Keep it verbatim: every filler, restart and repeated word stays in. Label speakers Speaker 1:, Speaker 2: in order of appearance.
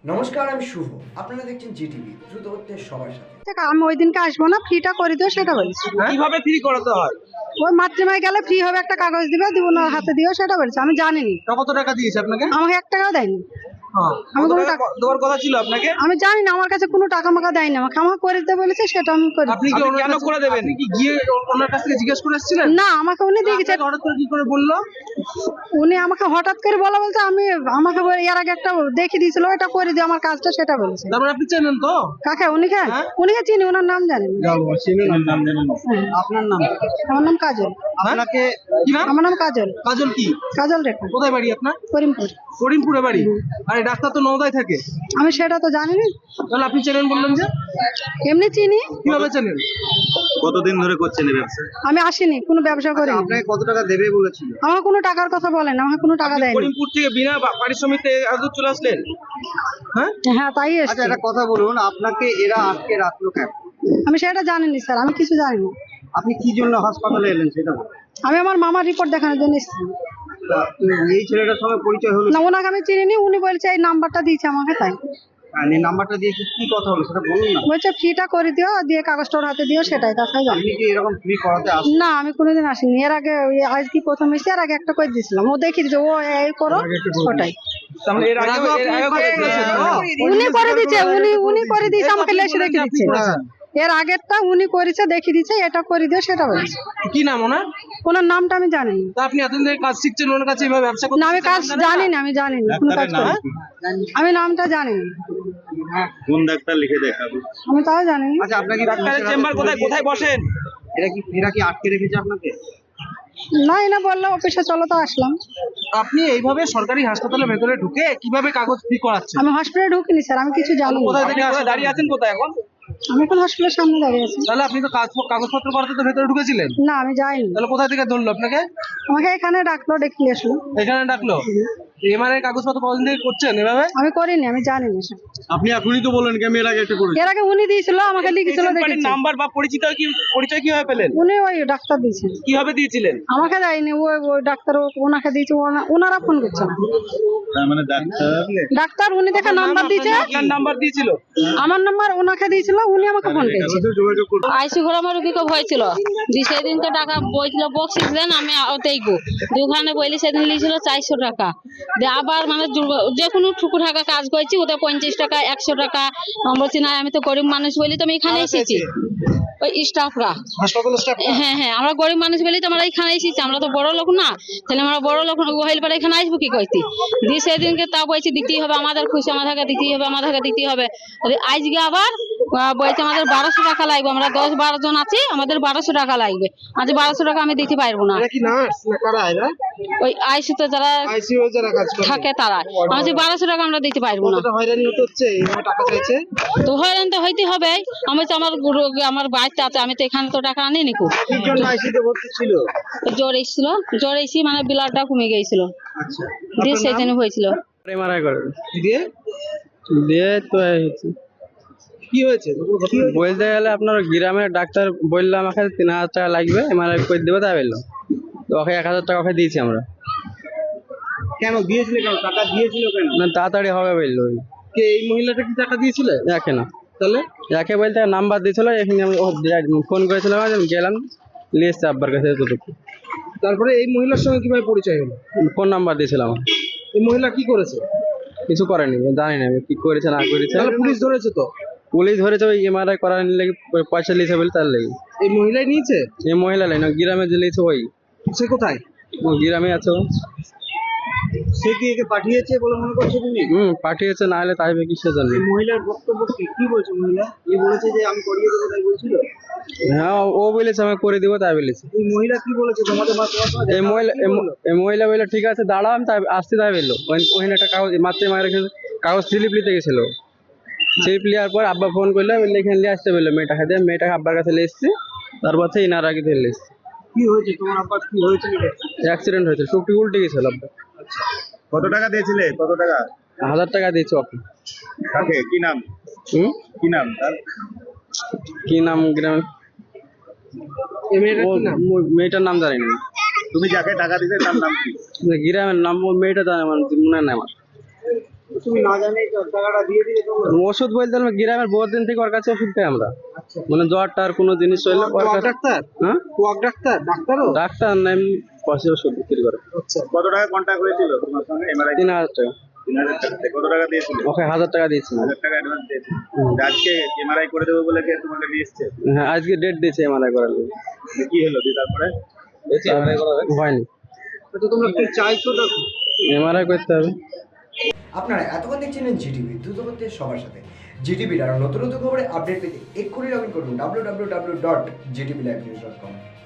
Speaker 1: নমস্কার, আমি শুভ। আপনারা দেখছেন জিটিভি, দ্রুত হচ্ছে সবার সাথে।
Speaker 2: আমি ওই দিনকে আসবো না, ফ্রিটা করে দিও সেটা বলছি।
Speaker 3: কিভাবে ফ্রি করাতে হয়?
Speaker 2: ওই মাতৃমায় গেলে ফ্রি হবে, একটা কাগজ দিবে, দিব না হাতে দিও সেটা বলছে। আমি জানিনি,
Speaker 3: কত টাকা দিয়েছে আপনাকে?
Speaker 2: আমাকে এক টাকাও দেয়নি।
Speaker 3: হ্যাঁ,
Speaker 2: আমি
Speaker 3: কত
Speaker 2: কোনো
Speaker 3: টাকা
Speaker 2: টাকা-
Speaker 3: দেওয়ার কথা ছিল আপনাকে?
Speaker 2: আমি জানি না, আমার কাছে কোনো টাকা মাকা দেয়নি। আমাকে আমাকে করে দিতে বলেছে, সেটা আমি করি।
Speaker 3: আপনি কি ওনার কেন করে দেবেন? আপনি কি গিয়ে ওনার কাছ থেকে জিজ্ঞেস করে এসেছিলেন?
Speaker 2: না, আমাকে উনি দিয়ে গেছে।
Speaker 3: আপনাকে হঠাৎ করে কি করে বললো?
Speaker 2: উনি আমাকে হঠাৎ করে বলা বলছে, আমি আমাকে বলে- এর আগে একটা দেখে দিয়েছিল, ওটা করে দিও আমার কাজটা, সেটা বলেছে।
Speaker 3: তারপর আপনি চেনেন তো?
Speaker 2: কাকে? উনিকে
Speaker 3: হ্যাঁ।
Speaker 2: উনিকে চিনি, ওনার নাম জানি না।
Speaker 3: নাম জানেন না।
Speaker 2: হ্যাঁ।
Speaker 3: আপনার নাম?
Speaker 2: আমার নাম কাজল।
Speaker 3: আপনাকে কি নাম?
Speaker 2: আমার নাম কাজল।
Speaker 3: কাজল কি?
Speaker 2: কাজল রেখা,
Speaker 3: কোথায় বাড়ি আপনার?
Speaker 2: করিমপুর।
Speaker 3: করিমপুরে বাড়ি। আরে ডাক্তার তো নওদায় থাকে।
Speaker 2: আমি সেটা তো জানি না,
Speaker 3: তাহলে আপনি চেনেন বললেন যে?
Speaker 2: এমনি চিনি।
Speaker 3: কিভাবে চেনেন?
Speaker 4: কতদিন ধরে করছেন এই ব্যবসা?
Speaker 2: আমি আসিনি, কোনো ব্যবসা করি।
Speaker 4: আপনাকে কত টাকা দেবে বলেছিল?
Speaker 2: আমাকে কোনো টাকার কথা বলেন, আমাকে কোনো টাকা
Speaker 3: আপনি
Speaker 2: দেয়নি।
Speaker 3: করিমপুর থেকে বিনা বা- পারিশ্রমিকে এত চলে আসলেন? হ্যাঁ,
Speaker 2: হ্যাঁ, তাই
Speaker 4: আচ্ছা,
Speaker 2: এসছি।
Speaker 4: একটা কথা বলুন, আপনাকে এরা আটকে রাখলো কেন?
Speaker 2: আমি সেটা জানিনি স্যার, আমি কিছু জানি না।
Speaker 4: আপনি কি জন্য হাসপাতালে এলেন সেটা বলুন।
Speaker 2: আমি আমার মামার রিপোর্ট দেখানোর জন্য এসেছি।
Speaker 4: তা, এই ছেলেটার সঙ্গে পরিচয় হলো,
Speaker 2: না, ওনাকে আমি চিনিনি। উনি বলছে এই নাম্বারটা দিয়েছে আমাকে, তাই
Speaker 4: আর এই নাম্বারটা দিয়ে কি কি কথা হলো সেটা বলুন না।
Speaker 2: বলছে ফ্রিটা করে দিও, দিয়ে কাগজটা ওর হাতে দিও, সেটাই। তাছাড়া জানি
Speaker 4: আপনি কি এরকম ফ্রি করাতে আসেন?
Speaker 2: না, আমি কোনোদিন আসিনি। এর আগে ওই আজ কি প্রথম এসে এর আগে একটা করে দিয়েছিলাম, ও দেখিয়ে দিচ্ছে, ও এই করো, ওটাই।
Speaker 3: তাহলে এর আগে এর আগে করেছেন তো?
Speaker 2: উনি করে দিচ্ছে, উনি উনি করে দিয়েছে, আমাকে লেসে রেখে
Speaker 3: আপনি
Speaker 2: দিচ্ছে।
Speaker 3: করেছেন।
Speaker 2: এর আগেরটা উনি করেছে, দেখিয়ে দিচ্ছে, এটা করে দিও, সেটা বলছে।
Speaker 3: কি নাম ওনার?
Speaker 2: ওনার নামটা আমি জানি না।
Speaker 3: তা আপনি এতদিন ধরে কাজ শিখছেন ওনার কাছে, এইভাবে ব্যবসা করতে
Speaker 2: না, আমি কাজ
Speaker 3: জানেন না?
Speaker 2: জানি না, আমি জানি না কোনো কাজ করি না। আমি নামটা জানি না,
Speaker 4: কোন ডাক্তার লিখে দেখাবো?
Speaker 2: আমি তাও জানি না।
Speaker 4: আচ্ছা, আপনাকে
Speaker 3: ডাক্তারের চেম্বার কোথায় কোথায় বসেন?
Speaker 4: এরা কি এরা কি আটকে রেখেছে আপনাকে?
Speaker 2: না, এনা বললো অফিসে চলো, তো আসলাম।
Speaker 3: আপনি এইভাবে সরকারি হাসপাতালের ভেতরে ঢুকে কিভাবে কাগজ ফ্রি করাচ্ছেন?
Speaker 2: আমি হসপিটালে ঢুকিনি স্যার, আমি কিছু জানি না।
Speaker 3: কোথায় থেকে আসলে দাঁড়িয়ে আছেন কোথায় এখন?
Speaker 2: আমি এখন হসপিটালের সামনে দাঁড়িয়ে আছি।
Speaker 3: তাহলে আপনি তো কাজ কাগজপত্র করাতে তো ভেতরে ঢুকেছিলেন,
Speaker 2: না, আমি যাইনি।
Speaker 3: তাহলে কোথায় থেকে ধরলো আপনাকে?
Speaker 2: আমাকে এখানে ডাকলো, ডেকে আসলো।
Speaker 3: এখানে ডাকলো? এমআরআই কাগজপত্র কতদিন থেকে করছেন এভাবে?
Speaker 2: আমি করিনি, আমি জানি না স্যার।
Speaker 4: আপনি এখনই তো বললেন কি আমি এর আগে একটা করেছি।
Speaker 2: এর আগে উনি দিয়েছিল, আমাকে লিখেছিল,
Speaker 3: পেশেন্ট পার্টির
Speaker 2: দেখেছি।
Speaker 3: নাম্বার বা পরিচিত কি পরিচয় কিভাবে পেলেন?
Speaker 2: উনি ওই ডাক্তার দিয়েছেন,
Speaker 3: কিভাবে দিয়েছিলেন?
Speaker 2: আমাকে দেয়নি। ওই ওই ডাক্তার ও- ওনাকে দিয়েছে, ওনা- ওনারা ফোন করছে না।
Speaker 4: তার মানে ডাক্তার
Speaker 2: ডাক্তার উনি দেখে নাম্বার দিয়েছে,
Speaker 3: আপনার নাম্বার দিয়েছিল?
Speaker 2: আমার নাম্বার ওনাকে দিয়েছিল, উনি আমাকে ফোন করেছে।
Speaker 4: যোগাযোগ করুন।
Speaker 5: আইসি ঘোড়া রুগীকে ভয় দি সেদিনকে টাকা বইছিল বক্সিস দেন আমি ওতেইগো দোকানে বইলি সেদিন লিছিল চারশো টাকা দিয়ে আবার মানে দুর্গ- যে কোনো ঠুকু টাকা কাজ করছি ওদের পঞ্চাশ টাকা একশো টাকা আমি বলছি না আমি তো গরিব মানুষ বলি তো আমি এখানে এসেছি ওই স্টাফরা
Speaker 3: হাসপাতাল স্টাফ?
Speaker 5: হ্যাঁ হ্যাঁ আমরা গরিব মানুষ বলি তো আমরা এখানে এসেছি আমরা তো বড় লোক না তাহলে আমরা বড় লোক হইলে পরে এখানে আসবো কি করছি দিয়ে সেদিনকে তা বলছি দিতেই হবে আমাদের খুশি আমাদেরকে দিতেই হবে আমাদেরকে দিতেই হবে আজকে আবার আহ, বলছে আমাদের বারোশো টাকা লাগবে আমরা দশ বারো জন আছি আমাদের বারোশো টাকা লাগবে আজ বারোশো টাকা আমি দিতে পারবো না
Speaker 3: এরা কি নার্স না কারা এরা?
Speaker 5: ওই আইসিতে যারা
Speaker 3: আইসিইউ যারা কাজ করে
Speaker 5: থাকে তারা আমি বারোশো টাকা আমরা দিতে পারবো না
Speaker 3: কতটা হয়রানি হতে হচ্ছে এইভাবে টাকা চাইছে?
Speaker 5: তো হয়রান তো হইতে হবে আমি তো আমার রোগ- আমার বাড়িতে আছে আমি তো এখানে তো টাকা আনি নিকু
Speaker 4: কি জন্য আইসিতে ভর্তি ছিল?
Speaker 5: জ্বর এসেছিল জ্বর এসে মানে ব্লাডটা কমে গিয়েছিল
Speaker 4: আচ্ছা,
Speaker 5: দিয়ে সেই জন্য হয়েছিল
Speaker 6: এমআরআই করে
Speaker 3: দিয়ে
Speaker 6: দিয়ে তো এই হচ্ছে।
Speaker 3: কি হয়েছে? কি হয়েছে?
Speaker 6: বলতে গেলে আপনার গ্রামের ডাক্তার বললো আমাকে তিন হাজার টাকা লাগবে এমআরআই করে দেবো তাই বললো তো ওকে এক হাজার টাকা ওকে দিয়েছি আমরা
Speaker 4: কেন দিয়েছিল, কেন টাকা দিয়েছিল কেন?
Speaker 6: না তাড়াতাড়ি হবে বললো ওই
Speaker 3: কে এই মহিলাটা কি টাকা দিয়েছিল?
Speaker 6: একে না
Speaker 3: তাহলে
Speaker 6: একে বলতে নাম্বার দিয়েছিল এখানে আমি ও direct ফোন করেছিলাম আমি গেলাম নিয়ে এসছে আব্বার কাছে এতটুকু
Speaker 3: তারপরে এই মহিলার সঙ্গে কিভাবে পরিচয় হলো?
Speaker 6: ফোন নাম্বার দিয়েছিলাম
Speaker 3: এই মহিলা কি করেছে?
Speaker 6: কিছু করেনি জানি না আমি কি করেছে না করেছে
Speaker 3: তাহলে পুলিশ ধরেছে তো?
Speaker 6: পুলিশ ধরেছে ওই এমআরআই করার লেগে পয়সা লিয়েছে বলে তার লেগে
Speaker 3: এই মহিলাই নিয়েছে?
Speaker 6: এই মহিলা লাইন গ্রামে যে লিয়েছে ওই
Speaker 3: সে কোথায়?
Speaker 6: ও গ্রামে আছে ও।
Speaker 4: সে কি একে পাঠিয়েছে বলে মনে করছে তুমি?
Speaker 6: হুম পাঠিয়েছে না হলে তাইবে কিসের জন্য
Speaker 4: এই মহিলার বক্তব্য কি কি বলছে মহিলা? এই বলেছে যে আমি করিয়ে দেবো তাই বলছিল?
Speaker 6: হ্যাঁ ও বলেছে আমি করে দিব তাই বলেছে
Speaker 4: এই মহিলা কি বলেছে তোমাদের মা তোমার সঙ্গে
Speaker 6: এই
Speaker 4: দেখা
Speaker 6: মহিলা
Speaker 4: কি বললো?
Speaker 6: এই মহিলা বললো ঠিক আছে দাঁড়াও আমি তাই আসতে তাই বললো ওই- ওখানে একটা কাগজ মাত্র মায়ের এখানে কাগজ স্লিপ নিতে গেছিল স্লিপ নেওয়ার পর আব্বা ফোন করলো বললে এখানে নিয়ে আসতে বললো মেয়েটাকে দিয়ে মেয়েটাকে আব্বার কাছে নিয়ে এসছে তারপর থেকে ইনার আগে ধরে এসছে
Speaker 4: কি হয়েছে তোমার আব্বার, কি হয়েছিল?
Speaker 6: অ্যাক্সিডেন্ট হয়েছে টুকটি উল্টে গেছিল আব্বা
Speaker 4: কত টাকা দিয়েছিলে? কত টাকা?
Speaker 6: হাজার টাকা দিয়েছে ওকে
Speaker 4: কাকে? কি নাম?
Speaker 6: হুম
Speaker 4: কি নাম তার?
Speaker 6: কি নাম গ্রাম
Speaker 3: এই মেয়েটার
Speaker 6: ও
Speaker 3: কি নাম?
Speaker 6: ও মেয়েটার নাম জানি না
Speaker 4: তুমি যাকে টাকা দিতে তার নাম কি?
Speaker 6: গ্রামের নাম ও মেয়েটা জানে আমার মনে নাই আমার
Speaker 4: তুমি না জানে টাকাটা দিয়ে দিলে তোমরা?
Speaker 6: ওষুধ বলতে আমরা গ্রামের বহুত দিন থেকে ওর কাছে ওষুধ খাই আমরা,
Speaker 4: আচ্ছা,
Speaker 6: মানে জ্বর টার কোনো জিনিস হইলে ওর
Speaker 4: কোয়াক
Speaker 6: কাছে।
Speaker 4: ডাক্তার?
Speaker 6: হ্যাঁ,
Speaker 4: কোয়াক ডাক্তার? ডাক্তারও?
Speaker 6: ডাক্তার না, এমনি পয়সা ওষুধ বিক্রি করে।
Speaker 4: আচ্ছা,
Speaker 7: কত টাকা কন্ট্যাক্ট হয়েছিল তোমার সঙ্গে এমআরআই?
Speaker 6: তিন হাজার টাকা।
Speaker 7: তিন হাজার টাকা দিয়ে কত টাকা দিয়েছিল?
Speaker 6: ওকে হাজার টাকা দিয়েছি।
Speaker 7: হাজার টাকা অ্যাডভান্স দিয়েছিল। আজকে এমআরআই করে দেবো বলে কে তোমাকে নিয়ে এসছে?
Speaker 6: হ্যাঁ, আজকে ডেট দিয়েছে এমআরআই করার জন্য।
Speaker 7: কি হলো দিয়ে তারপরে?
Speaker 6: হয়নি,
Speaker 4: তো তোমরা কি চাইছো? তো
Speaker 6: এমআরআই করতে হবে।
Speaker 1: আপনারা এতক্ষণ দেখছিলেন জিটিভি, দ্রুত হচ্ছে সবার সাথে। জিটিভির আরও নতুন নতুন খবরে আপডেট পেতে এক্ষুনি লগ ইন করুন W W W dot GTV live news dot কম।